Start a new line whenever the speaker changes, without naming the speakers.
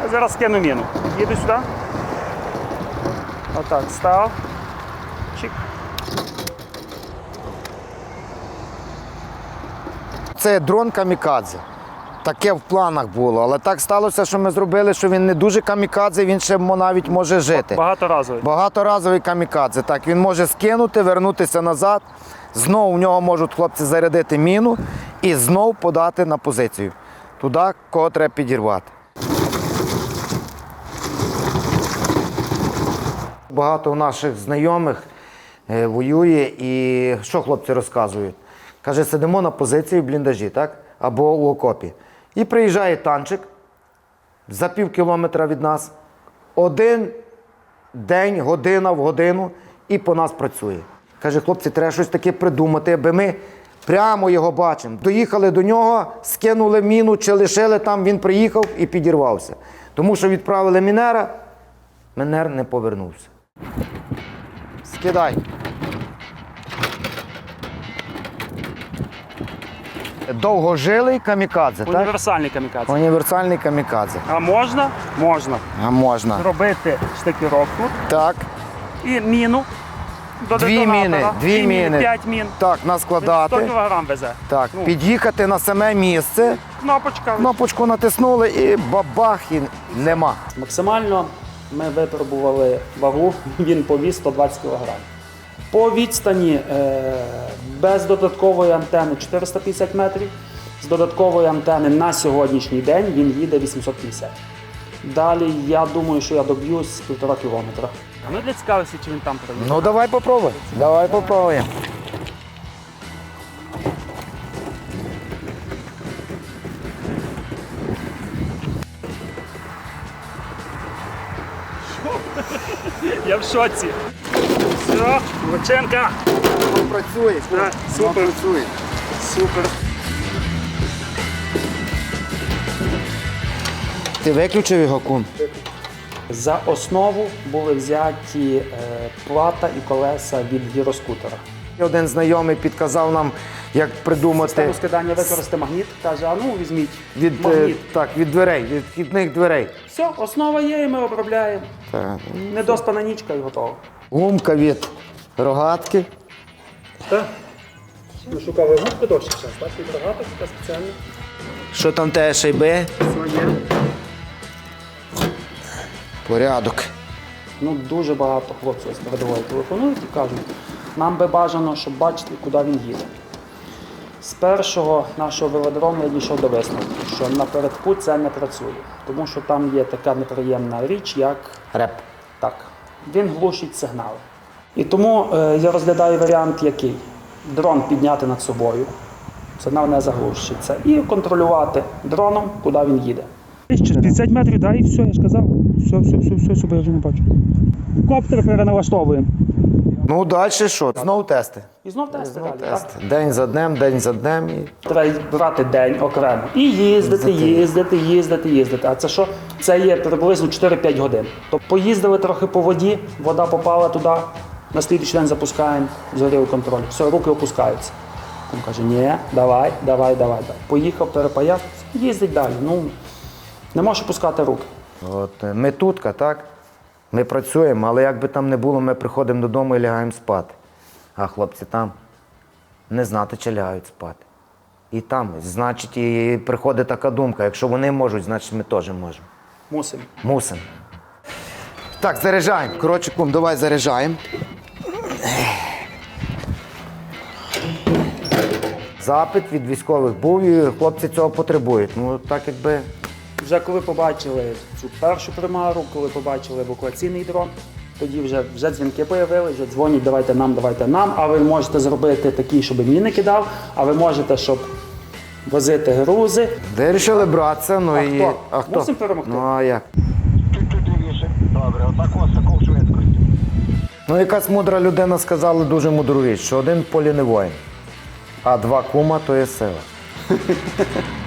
Я зараз скину міну. Їду сюди. Отак, став. Чик.
Це дрон камікадзе. Таке в планах було, але так сталося, що ми зробили, що він не дуже камікадзе, він ще навіть може жити.
Багаторазовий.
Багаторазовий камікадзе. Так, він може скинути, вернутися назад, знову в нього можуть хлопці зарядити міну і знову подати на позицію. Туди, кого треба підірвати. Багато наших знайомих воює і що хлопці розказують? Каже, сидимо на позиції в бліндажі, так? Або у окопі. І приїжджає танчик за пів кілометра від нас, один день, година в годину, і по нас працює. Каже, хлопці, треба щось таке придумати, аби ми прямо його бачимо. Доїхали до нього, скинули міну чи лишили там, він приїхав і підірвався. Тому що відправили мінера, мінер не повернувся. Скидай. Довгожилий камікадзе, так?
Універсальний камікадзе.
Універсальний камікадзе.
А можна? Можна.
А можна.
Робити штикіровку
Так.
і міну до
Дві
детонатора.
міни.
5 мін.
Так,
100
наскладати.
кг везе.
Так,
Ну.
під'їхати на саме місце,
Кнопочка.
кнопочку натиснули і бабах, і нема.
Максимально ми випробували вагу, він повіз 120 кг. По відстані без додаткової антени 450 метрів, з додаткової антени на сьогоднішній день він їде 850. Далі я думаю, що я доб'юсь 1,5 кілометра. Ну для цікавості, чи він там проїде.
Ну давай попробуй. Давай попробуємо.
Я в шоці. Все, Лученка.
Працює,
Так, супер.
працює.
Супер.
Ти виключив його, кум?
За основу були взяті плата і колеса від гіроскутера.
Один знайомий підказав нам, як придумати
Систему скидання використати магніт, каже, а ну візьміть
від,
магніт.
від дверей, від вхідних дверей.
Все, основа є і ми обробляємо.
Так.
Недоспана нічка і готово.
Гумка від рогатки.
Так. Ми шукали губку довше час, так? Від рогаток, така спеціальна.
Що там те шайби?
Все є.
Порядок.
Ну, дуже багато хлопців з передової телефонують і кажуть, нам би бажано, щоб бачити, куди він їде. З першого нашого велодрому я дійшов до висновку, що напередку це не працює, тому що там є така неприємна річ, як
Реп.
так, він глушить сигнали. І тому я розглядаю варіант який? Дрон підняти над собою, сигнал не заглушиться, і контролювати дроном, куди він їде. 50 метрів, да, і все, я ж казав. Все, супер, я вже не бачу. Коптер переналаштовуємо.
Ну, далі що? Знову тести.
І знов тести
Знову
далі.
тести.
Так?
День за днем, день за днем. І...
Треба брати день окремо. І їздити. А це що? Це є приблизно 4-5 годин. Тобто поїздили трохи по воді, вода попала туди, на слідуючий день запускаємо, зорів контроль. Все, руки опускаються. Він каже, ні, давай. Поїхав, перепаяв, їздить далі. Ну, не можеш опускати руки.
От, ми тутка, так? Ми працюємо, але як би там не було, ми приходимо додому і лягаємо спати. А хлопці там не знати, чи лягають спати. І там, значить, і приходить така думка, якщо вони можуть, значить ми теж можемо.
Мусимо.
Мусимо. Так, заряджаємо. Коротше, кум, давай заряджаємо. Запит від військових був, і хлопці цього потребують. Ну, так якби...
Вже коли побачили цю першу примару, коли побачили евакуаційний дрон, тоді вже дзвінки з'явилися, вже дзвонять, давайте нам, а ви можете зробити такий, щоб міни кидав, а ви можете, щоб возити грузи.
Вирішили братися, ну
А
і...
хто?
А хто?
Мусимо перемогти.
Ну, а як?
Чуть-чуть лівіше. Добре, отак ось такого швидкості.
Ну, якась мудра людина сказала дуже мудру річ, що один в полі не воїн, а два кума – то є сила.